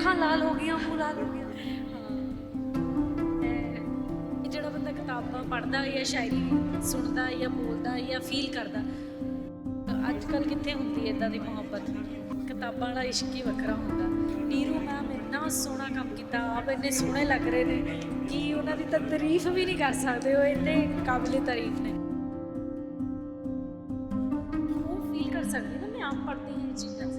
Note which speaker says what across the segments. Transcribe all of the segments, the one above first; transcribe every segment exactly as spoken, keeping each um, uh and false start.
Speaker 1: ਅੱਖਾਂ ਲਾਲ ਹੋ ਗਈਆਂ, ਮੂੰਹ ਲਾਲ ਹੋ ਗਿਆ।
Speaker 2: ਇਹ ਜਿਹੜਾ ਬੰਦਾ ਕਿਤਾਬਾਂ ਪੜ੍ਹਦਾ ਜਾਂ ਸ਼ਾਇਰੀ ਸੁਣਦਾ ਜਾਂ ਬੋਲਦਾ ਜਾਂ ਫੀਲ ਕਰਦਾ, ਅੱਜ ਕੱਲ੍ਹ ਕਿੱਥੇ ਹੁੰਦੀ ਇੱਦਾਂ ਦੀ ਮੁਹੱਬਤ। ਕਿਤਾਬਾਂ ਵਾਲਾ ਇਸ਼ਕ ਹੀ ਵੱਖਰਾ ਹੁੰਦਾ। ਨੀਰੂ ਮੈਮ ਇੰਨਾ ਸੋਹਣਾ ਕੰਮ ਕੀਤਾ, ਆਪ ਇੰਨੇ ਸੋਹਣੇ ਲੱਗ ਰਹੇ ਨੇ ਕਿ ਉਹਨਾਂ ਦੀ ਤਾਂ ਤਾਰੀਫ ਵੀ ਨਹੀਂ ਕਰ ਸਕਦੇ, ਉਹ ਇੰਨੇ ਕਾਬਿਲੇ ਤਾਰੀਫ ਨੇ। ਉਹ ਫੀਲ ਕਰ ਸਕਦੀ ਨਾ, ਮੈਂ ਆਪ ਪੜ੍ਹਦੀ ਹਾਂ ਇਹ ਚੀਜ਼ਾਂ।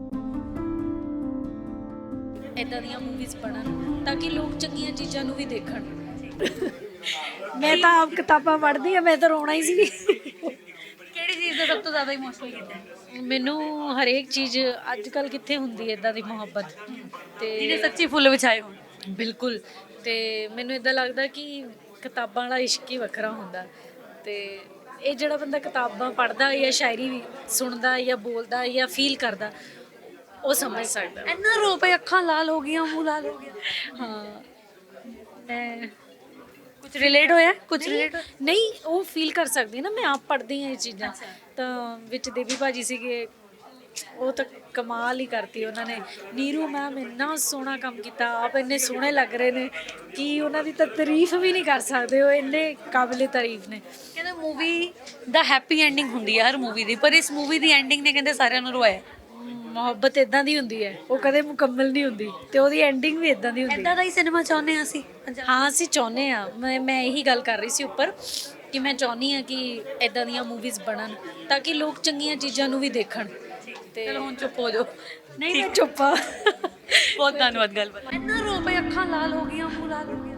Speaker 2: ਇੱਦਾਂ ਦੀਆਂ ਮੂਵੀਜ਼ ਬਣਨ ਤਾਂ ਕਿ ਲੋਕ ਚੰਗੀਆਂ ਚੀਜ਼ਾਂ ਨੂੰ ਵੀ ਦੇਖਣ।
Speaker 1: ਮੈਂ ਤਾਂ ਆਪ ਕਿਤਾਬਾਂ ਪੜ੍ਹਦੀ ਆ, ਮੈਂ ਤਾਂ ਰੋਣਾ ਹੀ ਸੀ।
Speaker 2: ਕਿਹੜੀ ਚੀਜ਼ ਦਾ ਸਭ ਤੋਂ ਜ਼ਿਆਦਾ ਇਮੋਸ਼ਨਲ ਕੀਤਾ? ਮੈਨੂੰ ਹਰੇਕ ਚੀਜ਼, ਅੱਜ ਕੱਲ੍ਹ ਕਿੱਥੇ ਹੁੰਦੀ ਹੈ ਇੱਦਾਂ ਦੀ ਮੁਹੱਬਤ ਤੇ
Speaker 1: ਜਿਹਨੇ ਸੱਚੀ ਫੁੱਲ ਵਿਛਾਏ ਹੋਣ।
Speaker 2: ਬਿਲਕੁਲ। ਤੇ ਮੈਨੂੰ ਇਦਾਂ ਲੱਗਦਾ ਕਿ ਕਿਤਾਬਾਂ ਵਾਲਾ ਇਸ਼ਕ ਹੀ ਵੱਖਰਾ ਹੁੰਦਾ। ਤੇ ਇਹ ਜਿਹੜਾ ਬੰਦਾ ਕਿਤਾਬਾਂ ਪੜ੍ਹਦਾ ਜਾਂ ਸ਼ਾਇਰੀ ਸੁਣਦਾ ਜਾਂ ਬੋਲਦਾ ਜਾਂ ਫੀਲ ਕਰਦਾ, ਉਹ ਸਮਝ ਸਕਦਾ।
Speaker 1: ਇੰਨਾ ਰੋ ਪਏ, ਅੱਖਾਂ ਲਾਲ ਹੋ ਗਈਆਂ, ਮੂੰਹ ਲਾਲ ਹੋ ਗਿਆ।
Speaker 2: ਹਾਂ, ਮੈਂ
Speaker 1: ਕੁਝ ਰਿਲੇਟ ਹੋਇਆ? ਕੁਝ ਰਿਲੇਟ
Speaker 2: ਨਹੀਂ, ਉਹ ਫੀਲ ਕਰ ਸਕਦੀ ਨਾ, ਮੈਂ ਆਪ ਪੜ੍ਹਦੀ ਹਾਂ ਇਹ ਚੀਜ਼ਾਂ। ਤਾਂ ਵਿੱਚ ਦੇਵੀ ਭਾਜੀ ਸੀਗੇ, ਉਹ ਤਾਂ ਕਮਾਲ ਹੀ ਕਰਤੀ ਉਹਨਾਂ ਨੇ। ਨੀਰੂ ਮੈਮ ਇੰਨਾ ਸੋਹਣਾ ਕੰਮ ਕੀਤਾ, ਆਪ ਇੰਨੇ ਸੋਹਣੇ ਲੱਗ ਰਹੇ ਨੇ ਕਿ ਉਹਨਾਂ ਦੀ ਤਾਂ ਤਾਰੀਫ ਵੀ ਨਹੀਂ ਕਰ ਸਕਦੇ, ਉਹ ਇੰਨੇ ਕਾਬਿਲੇ ਤਾਰੀਫ ਨੇ।
Speaker 1: ਕਹਿੰਦੇ ਮੂਵੀ ਦਾ ਹੈਪੀ ਐਂਡਿੰਗ ਹੁੰਦੀ ਹੈ ਹਰ ਮੂਵੀ ਦੀ, ਪਰ ਇਸ ਮੂਵੀ ਦੀ ਐਂਡਿੰਗ ਨੇ ਕਹਿੰਦੇ ਸਾਰਿਆਂ ਨੂੰ ਰਵਾਇਆ।
Speaker 2: ਮੁਹੱਬਤ ਇਦਾਂ ਦੀ ਹੁੰਦੀ ਹੈ, ਉਹ ਕਦੇ ਮੁਕੰਮਲ ਨਹੀਂ ਹੁੰਦੀ ਤੇ ਉਹਦੀ ਐਂਡਿੰਗ ਵੀ ਇਦਾਂ ਦੀ ਹੁੰਦੀ
Speaker 1: ਇਦਾਂ ਦਾ ਹੀ ਸਿਨੇਮਾ ਚਾਹੁੰਦੇ ਹਾਂ ਅਸੀਂ।
Speaker 2: ਹਾਂ, ਅਸੀਂ ਚਾਹੁੰਦੇ ਹਾਂ। ਮੈਂ ਮੈਂ ਇਹੀ ਗੱਲ ਕਰ ਰਹੀ ਸੀ ਉੱਪਰ ਕਿ ਮੈਂ ਚਾਹੁੰਦੀ ਹਾਂ ਕਿ ਇਦਾਂ ਦੀਆਂ ਮੂਵੀਜ਼ ਬਣਨ ਤਾਂ ਕਿ ਲੋਕ ਚੰਗੀਆਂ ਚੀਜ਼ਾਂ ਨੂੰ ਵੀ ਦੇਖਣ। ਤੇ
Speaker 1: ਚਲੋ ਹੁਣ ਚੁੱਪ ਹੋ ਜਾਓ।
Speaker 2: ਨਹੀਂ, ਮੈਂ ਚੁੱਪ ਆ।
Speaker 1: ਬਹੁਤ ਧੰਨਵਾਦ ਗੱਲਬਾਤ। ਇੰਨਾ ਰੋ ਪਏ, ਅੱਖਾਂ ਲਾਲ ਹੋ ਗਈਆਂ, ਮੂੰਹ ਲਾਲ ਹੋ ਗਿਆ।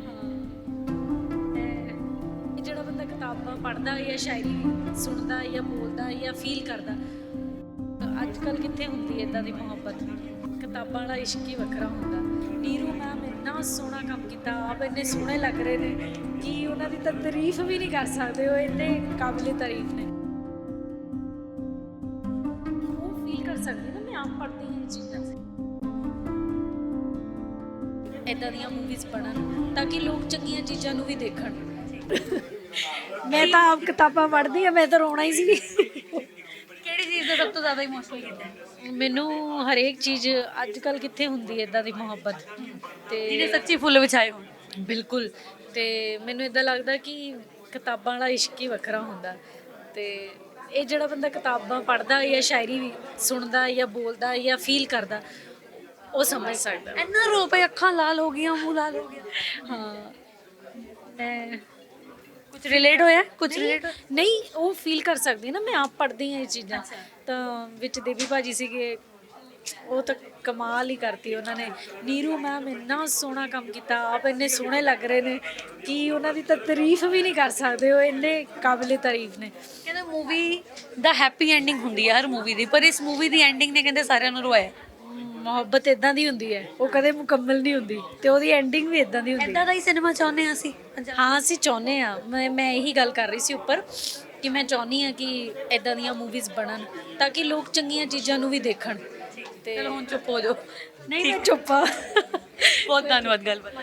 Speaker 2: ਇਹ ਜਿਹੜਾ ਬੰਦਾ ਕਿਤਾਬਾਂ ਪੜ੍ਹਦਾ ਜਾਂ ਸ਼ਾਇਰੀ ਸੁਣਦਾ ਜਾਂ ਬੋਲਦਾ ਜਾਂ ਫੀਲ ਕਰਦਾ, ਅੱਜ ਕੱਲ੍ਹ ਕਿੱਥੇ ਹੁੰਦੀ ਇੱਦਾਂ ਦੀ ਮੁਹੱਬਤ। ਕਿਤਾਬਾਂ ਵਾਲਾ ਇਸ਼ਕ ਹੀ ਵੱਖਰਾ ਹੁੰਦਾ। ਨੀਰੂ ਮੈਮ ਇੰਨਾ ਸੋਹਣਾ ਕੰਮ ਕੀਤਾ, ਆਪ ਇੰਨੇ ਸੋਹਣੇ ਲੱਗ ਰਹੇ ਨੇ ਕਿ ਉਹਨਾਂ ਦੀ ਤਾਂ ਤਾਰੀਫ ਵੀ ਨਹੀਂ ਕਰ ਸਕਦੇ, ਉਹ ਇੰਨੇ ਕਾਬਿਲੇ ਤਾਰੀਫ ਨੇ। ਉਹ ਫੀਲ ਕਰ ਸਕਦੀ ਨਾ, ਮੈਂ ਆਪ ਪੜ੍ਹਦੀ ਹਾਂ ਇਹ ਚੀਜ਼ਾਂ। ਇੱਦਾਂ ਦੀਆਂ ਮੂਵੀਜ਼ ਬਣਨ ਤਾਂ ਕਿ ਲੋਕ ਚੰਗੀਆਂ ਚੀਜ਼ਾਂ ਨੂੰ ਵੀ ਦੇਖਣ।
Speaker 1: ਮੈਂ ਤਾਂ ਆਪ ਕਿਤਾਬਾਂ ਪੜ੍ਹਦੀ ਆ, ਮੈਂ ਤਾਂ ਰੋਣਾ ਹੀ ਸੀ। ਕਿਹੜੀ ਚੀਜ਼ ਦਾ ਸਭ ਤੋਂ ਜ਼ਿਆਦਾ ਇਮੋਸ਼ਨਲ ਕੀਤਾ?
Speaker 2: ਮੈਨੂੰ ਹਰੇਕ ਚੀਜ਼, ਅੱਜ ਕੱਲ੍ਹ ਕਿੱਥੇ ਹੁੰਦੀ ਹੈ ਇੱਦਾਂ ਦੀ ਮੁਹੱਬਤ ਤੇ
Speaker 1: ਜਿਹਨੇ ਸੱਚੀ ਫੁੱਲ ਵਿਛਾਏ ਹੋਣ।
Speaker 2: ਬਿਲਕੁਲ। ਤੇ ਮੈਨੂੰ ਇਦਾਂ ਲੱਗਦਾ ਕਿ ਕਿਤਾਬਾਂ ਵਾਲਾ ਇਸ਼ਕ ਹੀ ਵੱਖਰਾ ਹੁੰਦਾ। ਤੇ ਇਹ ਜਿਹੜਾ ਬੰਦਾ ਕਿਤਾਬਾਂ ਪੜ੍ਹਦਾ ਜਾਂ ਸ਼ਾਇਰੀ ਸੁਣਦਾ ਜਾਂ ਬੋਲਦਾ ਜਾਂ ਫੀਲ ਕਰਦਾ, ਉਹ ਸਮਝ ਸਕਦਾ।
Speaker 1: ਇੰਨਾ ਰੋ ਪਏ, ਅੱਖਾਂ ਲਾਲ ਹੋ ਗਈਆਂ, ਮੂੰਹ ਲਾਲ ਹੋ ਗਿਆ।
Speaker 2: ਹਾਂ, ਮੈਂ
Speaker 1: ਕੁਝ ਰਿਲੇਟ ਹੋਇਆ? ਕੁਝ ਰਿਲੇਟ
Speaker 2: ਨਹੀਂ, ਉਹ ਫੀਲ ਕਰ ਸਕਦੀ ਨਾ, ਮੈਂ ਆਪ ਪੜ੍ਹਦੀ ਹਾਂ ਇਹ ਚੀਜ਼ਾਂ। ਤਾਂ ਵਿੱਚ ਦੇਵੀ ਭਾਜੀ ਸੀਗੇ, ਉਹ ਤਾਂ ਕਮਾਲ ਹੀ ਕਰਤੀ ਉਹਨਾਂ ਨੇ। ਨੀਰੂ ਮੈਮ ਇੰਨਾ ਸੋਹਣਾ ਕੰਮ ਕੀਤਾ, ਆਪ ਇੰਨੇ ਸੋਹਣੇ ਲੱਗ ਰਹੇ ਨੇ ਕਿ ਉਹਨਾਂ ਦੀ ਤਾਂ ਤਾਰੀਫ ਵੀ ਨਹੀਂ ਕਰ ਸਕਦੇ, ਉਹ ਇੰਨੇ ਕਾਬਿਲੇ ਤਾਰੀਫ ਨੇ।
Speaker 1: ਕਹਿੰਦੇ ਮੂਵੀ ਦਾ ਹੈਪੀ ਐਂਡਿੰਗ ਹੁੰਦੀ ਹੈ ਹਰ ਮੂਵੀ ਦੀ, ਪਰ ਇਸ ਮੂਵੀ ਦੀ ਐਂਡਿੰਗ ਨੇ ਕਹਿੰਦੇ ਸਾਰਿਆਂ ਨੂੰ ਰਵਾਇਆ।
Speaker 2: ਮੁਹੱਬਤ ਇਦਾਂ ਦੀ ਹੁੰਦੀ ਹੈ, ਉਹ ਕਦੇ ਮੁਕੰਮਲ ਨਹੀਂ ਹੁੰਦੀ ਤੇ ਉਹਦੀ ਐਂਡਿੰਗ ਵੀ ਇਦਾਂ ਦੀ ਹੁੰਦੀ।
Speaker 1: ਇਦਾਂ ਦਾ ਹੀ ਸਿਨੇਮਾ ਚਾਹੁੰਦੇ ਹਾਂ ਅਸੀਂ।
Speaker 2: ਹਾਂ, ਅਸੀਂ ਚਾਹੁੰਦੇ ਹਾਂ। ਮੈਂ ਮੈਂ ਇਹੀ ਗੱਲ ਕਰ ਰਹੀ ਸੀ ਉੱਪਰ ਕਿ ਮੈਂ ਚਾਹੁੰਦੀ ਹਾਂ ਕਿ ਇਦਾਂ ਦੀਆਂ ਮੂਵੀਜ਼ ਬਣਨ ਤਾਂ ਕਿ ਲੋਕ ਚੰਗੀਆਂ ਚੀਜ਼ਾਂ ਨੂੰ ਵੀ ਦੇਖਣ। ਤੇ
Speaker 1: ਚਲੋ ਹੁਣ ਚੁੱਪ ਹੋ ਜਾਓ।
Speaker 2: ਨਹੀਂ, ਮੈਂ ਚੁੱਪ ਆ।
Speaker 1: ਬਹੁਤ ਧੰਨਵਾਦ ਗੱਲਬਾਤ।